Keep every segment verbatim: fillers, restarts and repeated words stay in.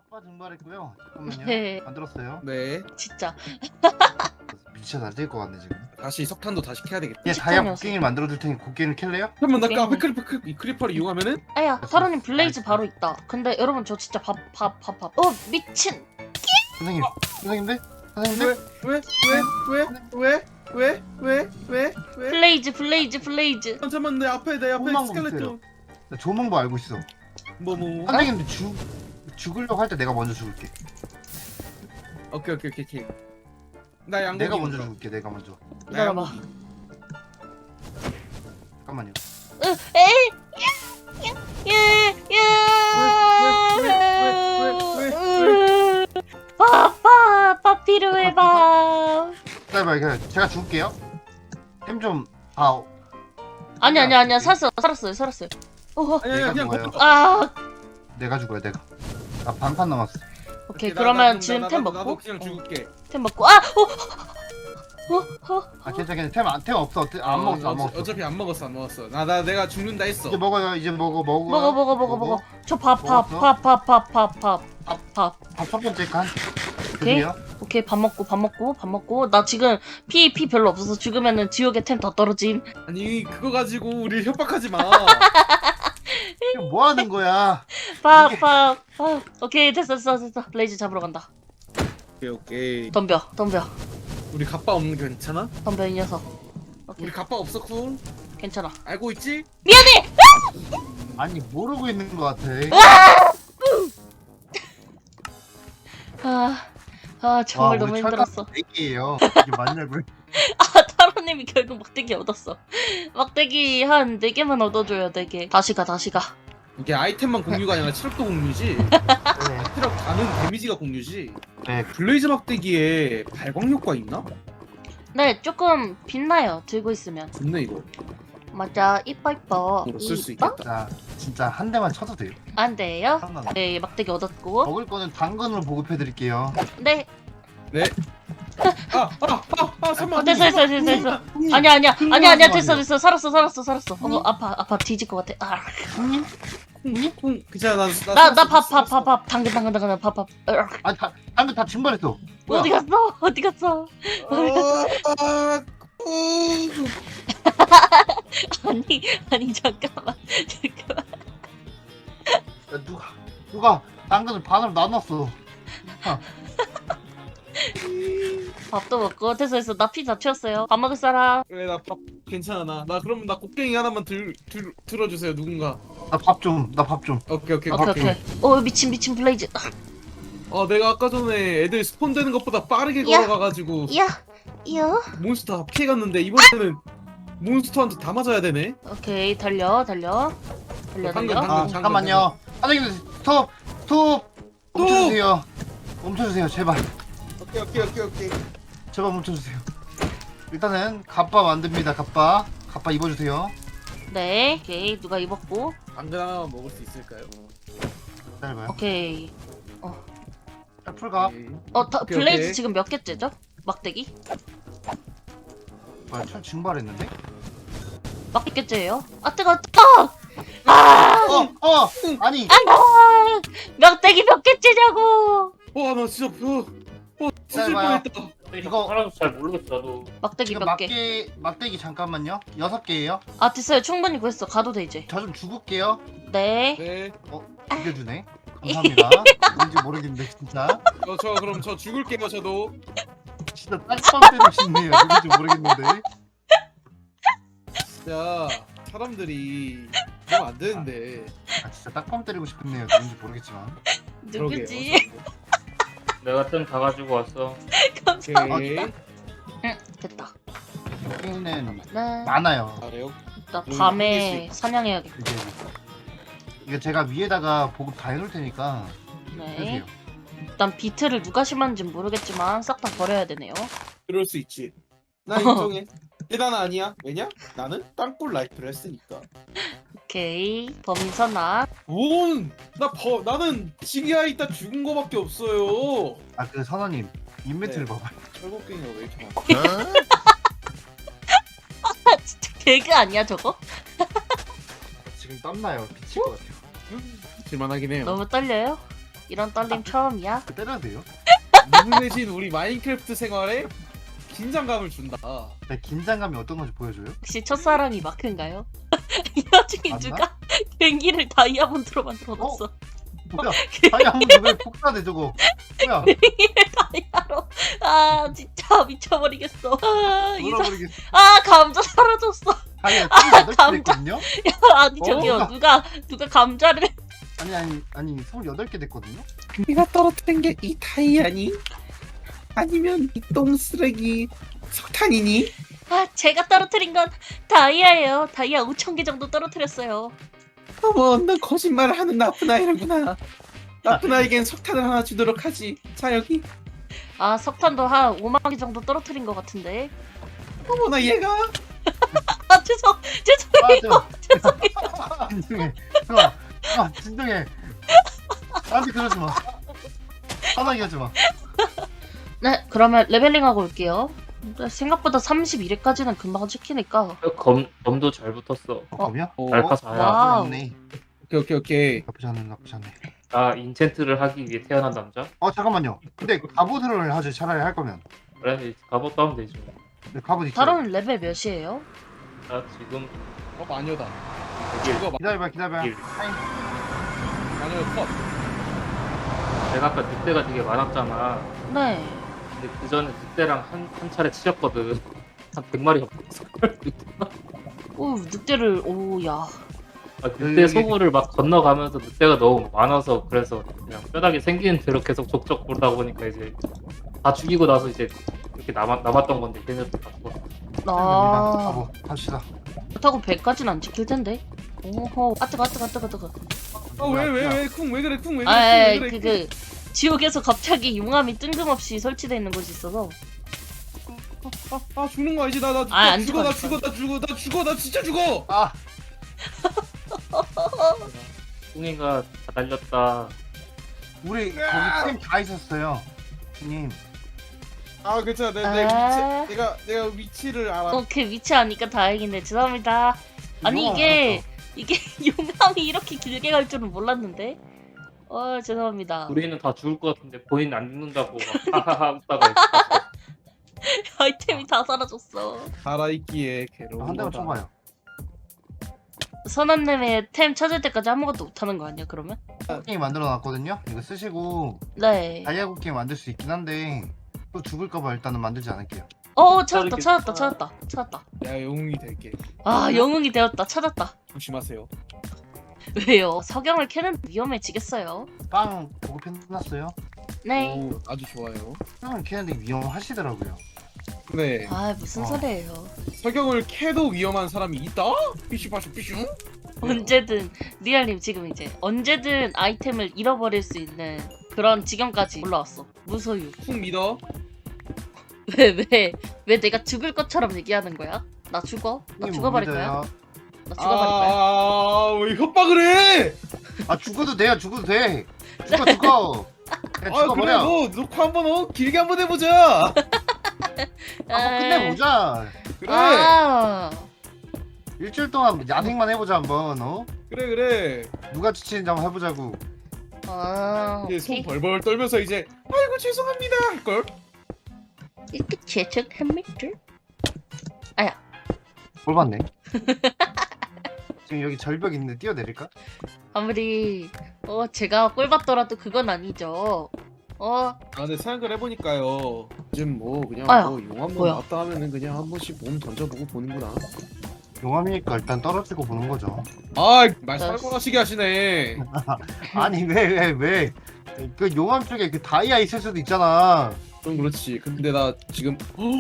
아빠 증발했고요. 잠깐만요. 네. 만들었어요. 네. 진짜. 미쳐 날뛸 것 같네 지금. 다시 석탄도 다시 캐야 되겠다. 얘 식탐이 다이아 없어. 곡괭이를 만들어 줄 테니 곡괭이를 캘래요? 그러면 나 게임을. 앞에 크리퍼 크- 이 크리퍼를 이용하면은 아야, 사로님 블레이즈 바로 있다. 근데 여러분 저 진짜 밥 밥 밥 밥. 어 미친. 선생님, 선생님들, 왜 선생님들. 왜 왜 왜 왜 왜 왜 왜? 블레이즈 블레이즈 블레이즈. 잠깐만 내 앞에 내 앞에 조금만 스켈레톤. 나 좋은 방법 알고 있어. 뭐 뭐. 선생님들 죽 죽으려고 할 때 내가 먼저 죽을게. 오케이 오케이 오케이 오케이. 나 양고기. 내가 먼저 먹어. 죽을게. 내가 먼저. 나 기다려봐. 양고기. 잠깐만요. 으, 에이. 예. 예. 왜, 밥, 밥 필요해 밥. 기다려봐요. 그냥 제가 죽을게요. 템 좀. 아, 아니 아니 아니야 살았어 살았어요 살았어요. 어, 아니 아니 내가 그냥 죽어요. 걷어. 아, 내가 죽어요. 내가. 나 반판 남았어. 오케이 나- 그러면 나- 지금 나- 템 나도- 나도 먹고. 그냥 어, 죽을게. 템 먹고. 아, 어, 어, 어. 아 괜찮아 괜찮아. 템, 안- 템 없어. 템 안 어, 먹었어. 안 어차- 먹었어. 어차피 안 먹었어 안 먹었어. 나 나 내가 죽는다 했어. 이제 먹어요. 이제 먹어 먹어. 먹어 먹어 먹어 먹어. 저 밥 밥 먹었어? 밥 밥 밥 밥 밥 밥 밥. 밥 첫 번째 칸. 오케이. 드세요. 오케이 밥 먹고 밥 먹고 밥 먹고. 나 지금 피 피 별로 없어서 죽으면은 지옥의 템 다 떨어짐. 아니 그거 가지고 우리 협박하지 마. 지금 뭐 하는 거야? 밥 이게- 밥 밥. 오케이 됐어 됐어 됐어. 블레이즈 잡으러 간다. 오케이 오케이. 덤벼 덤벼 우리 갑바 없는 게 괜찮아? 덤벼 이 녀석. 오케이 우리 갑바 없어 쿨. 괜찮아. 알고 있지? 미안해. 아니 모르고 있는 것 같아. 아, 아 정말 와, 너무 우리 힘들었어. 얘기예요. 이게 맞냐고요? 아, 타로님이 결국 막대기 얻었어. 막대기 한 네 개만 얻어줘요, 네 개. 다시 가, 다시 가. 이게 아이템만 공유가 아니라 체력도 공유지. 네. 체력 가는 데미지가 공유지. 네. 블레이즈 막대기에 발광 효과 있나? 네, 조금 빛나요, 들고 있으면. 좋네 이거. 맞아, 이뻐, 이뻐. 이거 쓸 수 이뻐? 있겠다. 자, 진짜 한 대만 쳐도 돼요. 안 돼요? 상관없어. 네, 막대기 얻었고. 먹을 거는 당근으로 보급해드릴게요. 네, 네. 아, 아, 아, 아, 설마. 어, 됐어, 됐어, 됐어, 됐어. 형님, 아니야, 아니야, 형님 아니야, 아니야, 하지 됐어, 마세요. 됐어. 살았어, 살았어, 살았어. 어, 형님? 아파, 아파, 뒤질 것 같아. 아, 형님? 콩, 콩. 괜찮아, 나, 나. 나, 나 살았어, 밥, 밥, 살았어. 밥, 밥. 당근, 당근, 당근, 밥, 밥. 으악. 아니, 다, 당근 다 증발했어. 뭐야? 어디 갔어? 어디 갔어? 아, 아, 콩. 아니, 아니, 잠깐만. 잠깐만. 야, 누가, 누가 당근을 반으로 나눴어. 밥도 먹고 됐어 됐어 나 피 다 채웠어요. 밥 먹을 사람. 그래, 나 밥 괜찮아, 나. 나 그러면 나 곡괭이 하나만 들, 들, 들어주세요, 누군가. 나 밥 좀, 나 밥 좀. 오케이, 오케이, 오케이 오케이. 오케이. 오 미친 미친 블레이즈. 아, 내가 아까 전에 애들 스폰되는 것보다 빠르게 야. 걸어가가지고 이야 이야. 몬스터 다 피해갔는데 이번에는 몬스터한테 다 맞아야 되네. 오케이 달려 달려 달려 방금, 달려. 방금. 아, 잠깐만요. 선생님, 스톱, 스톱. 멈춰주세요. 멈춰주세요, 제발. 오케이, 오케이, 오케이, 오케이. 제발 멈춰주세요. 일단은 갑바 만듭니다. 갑바. 갑바 입어주세요. 네 오케이 누가 입었고. 당근 하나만 먹을 수 있을까요? 기다려봐요. 오케이. 풀갑. 오케이. 어 다, 오케이, 블레이즈 오케이. 지금 몇 개째죠? 막대기? 뭐야, 철 증발했는데? 몇 개째예요? 아 뜨거 뜨거. 아 어, 어, 아니. 아 막대기 몇 개째냐고. 와, 나 진짜 어, 어, 찢을 봐요. 뻔했다. 이거- 하나도 잘 모르겠어 나도. 막대기 지금 몇 개? 막대, 막대기 잠깐만요. 여섯 개예요. 아 됐어요 충분히 구했어. 가도 돼 이제. 저 좀 죽을게요. 네. 네. 이겨주네. 감사합니다. 뭔지 모르겠는데 진짜. 어, 저 그럼 저 죽을게요, 저도. 진짜 딱밤 때리고 싶네요. 누군지 모르겠는데. 진짜 사람들이 그러면 안 되는데. 아 진짜 딱밤 때리고 싶네요. 누군지 모르겠지만. 누구지? 내가 뜸 다 가지고 왔어. 감사합니다. 오케이. 응 됐다. 게임은 네. 많아요. 잘해요. 나 여기 밤에 사냥해야겠다. 이게 이거 제가 위에다가 보급 다 해놓을 테니까 네. 해주세요. 일단 비트를 누가 심었는지 모르겠지만 싹 다 버려야 되네요. 그럴 수 있지. 나 인정해. 대단 아니야. 왜냐? 나는 땅굴 라이프를 했으니까. 오케이. 범인 선악. 뭔? 나 버, 나는 지기야 있다 죽은 거밖에 없어요. 아 그 선원님 인벤트를 네. 봐봐요. 철곡갱이가 왜 이렇게 많아? 아 진짜 개그 아니야 저거? 지금 땀나요. 미칠 것 같아요. 질만하긴 해요. 너무 떨려요? 이런 떨림 처음이야? 때려도 돼요? 누구 대신 우리 마인크래프트 생활에 긴장감을 준다. 네, 긴장감이 어떤 건지 보여줘요? 혹시 첫사랑이 마크인가요? 이 와중에 맞나? 누가 갱기를 다이아몬드로 만들어놨어. 뭐야? 다이아몬드 왜 폭사돼 저거? 뭐야? 다이아로. 아 진짜 미쳐버리겠어. 아, 이 사... 돌아버리겠어. 아 감자 사라졌어. 다이아 스물여덟 개 감자. 됐거든요? 아니 저기요 어? 누가 누가 감자를 아니 아니 아니 스물여덟 개 됐거든요? 네가 떨어뜨린 게 이 다이아니? 아니면 이 똥쓰레기 석탄이니? 아 제가 떨어뜨린 건 다이아예요. 다이아 오천 개 정도 떨어뜨렸어요. 어머, 너 거짓말을 하는 나쁜 아이라구나. 나쁜 아이겐 석탄을 하나 주도록 하지. 자, 여기. 아 석탄도 한 오만 개 정도 떨어뜨린 것 같은데. 어머나, 얘가. 아 죄송 죄송해요. 아, 저, 진정해. 아, 아, 진정해. 나한테 그러지 마. 화나게 하지 마. 네 그러면 레벨링하고 올게요. 근데 생각보다 삼십일 회까지는 금방 찍히니까. 검, 검도 잘 붙었어. 어, 검이야? 오, 알파 사야. 와우. 나쁘지 않네. 오케이, 오케이, 오케이. 나쁘지 않네, 나쁘지 않네. 나 인챈트를 하기 위해 태어난 남자? 어, 잠깐만요. 근데 갑옷을 하죠, 차라리 할 거면. 그래, 갑옷도 하면 되지. 근데 갑옷 있죠? 다른 레벨 몇이에요? 나 지금 어, 마녀다. 여기 이거 마, 기다려봐, 기다려봐. 일. 타임. 마녀 컷. 내가 아까 늑대가 되게 많았잖아. 네. 근데 그 전에 늑대랑 한, 한 차례 치셨거든. 한 백 마리 잡았어. 오 늑대를 오야. 아, 늑대 소굴을 막 건너가면서 늑대가 너무 많아서 그래서 그냥 뼈다귀 생기는 대로 계속 족족 보다 보니까 이제 다 죽이고 나서 이제 이렇게 남았, 남았던 건데 걔네들 다 죽었어. 아 갑옷, 갑시다. 그렇다고 백까지는 안 찍힐 텐데. 오호 아 뜨거 아 뜨거 아 뜨거 아 뜨거. 어, 왜, 왜, 왜, 쿵, 왜 그래, 쿵, 왜 그래, 아 쿵, 왜 그 그래. 그 지옥에서 갑자기 용암이 뜬금없이 설치되어 있는 곳이 있어서. 아, 아, 죽는 거 아니지? 나, 나, 아, 나 안 죽어, 나 죽어, 죽어, 나 죽어, 나 죽어, 나 진짜 죽어! 아, 뿡이가 다 달렸다. 우리 거기 팀 다 있었어요. 님. 아, 괜찮아. 내, 내 아. 위치, 내가, 내가 위치를 알아. 어 그 위치 아니까 다행이네. 죄송합니다. 아니 용암 이게 이게 용암이 이렇게 길게 갈 줄은 몰랐는데. 어 죄송합니다. 우리는 다 죽을 것 같은데 본인 안 죽는다고 막 하하하 웃다가 있어. 아이템이 다 사라졌어. 살아있기에 괴로운 한 대만 거다. 쳐봐요. 선언님의 템 찾을 때까지 아무것도 못하는 거 아니야 그러면? 게임 만들어 놨거든요. 이거 쓰시고 네. 다이아고 게임 만들 수 있긴 한데 또 죽을까봐 일단은 만들지 않을게요. 어 찾았다 찾았다 찾았다 찾았다. 내가 영웅이 될게. 아 영웅이 되었다 찾았다. 조심하세요. 왜요? 석영을 캐는 위험해지겠어요. 빵 보급해놨어요. 네. 오, 아주 좋아요. 빵을 캐는데 위험하시더라고요. 네. 아 무슨 어. 소리예요? 석영을 캐도 위험한 사람이 있다? 삐슈빠슈 삐슈? 언제든 리알님 지금 이제 언제든 아이템을 잃어버릴 수 있는 그런 지경까지 올라왔어. 무소유. 쿵 믿어. 왜 왜 왜 내가 죽을 것처럼 얘기하는 거야? 나 죽어? 나 형님 죽어버릴 못 거야? 믿어요. 나 죽어버릴 거야? 아, 왜 협박을 해? 아 죽어도 돼요. 죽어도 돼. 죽어 죽어. 그냥 아, 그래, 죽어버려. 너 녹화 한번 어? 길게 한번 해보자. 한번 끝내보자. 그래, 아 일주일 동안 야생만 해보자 한번. 어? 그래, 그래. 누가 지치는지 한번 해보자고. 아, 이제 손 오케이. 벌벌 떨면서 이제 아이고 죄송합니다 할 걸. 이렇게 제척합니다. 뭘 봤네. 지금 여기 절벽 있는데 뛰어내릴까? 아무리 어 제가 꼴 받더라도 그건 아니죠. 어 아, 근데 생각을 해보니까요. 요즘 뭐 그냥 아야, 뭐 용 한번 뭐야? 나왔다 하면은 그냥 한 번씩 몸 던져보고 보는구나. 용암이니까 일단 떨어지고 보는 거죠. 아, 말 나- 살벌하시게 하시네. 아니 왜 왜 왜? 그 용암 쪽에 그 다이아 있을 수도 있잖아. 좀 그렇지. 근데 나 지금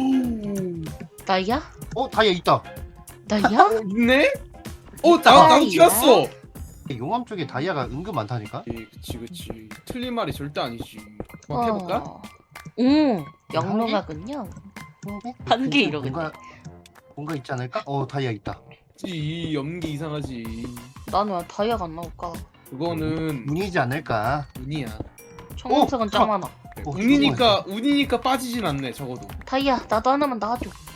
나야? 어 다이아 있다. 나야? 어, 있네? 어, 나 나도 튀었어. 용암 쪽에 다이아가 은근 많다니까. 예, 그치 그치. 틀린 말이 절대 아니지. 막 해볼까? 어. 오 영롱하군요. 한개 이러겠네. 뭔가 뭔가 있지 않을까? 어 다이아 있다. 이 연기 이상하지. 나는 왜 다이아가 안 나올까? 그거는 운이지 않을까? 운이야. 청록색은 짱 많아. 어, 운이니까 운이니까 빠지진 않네 적어도. 다이아 나도 하나만 놔줘.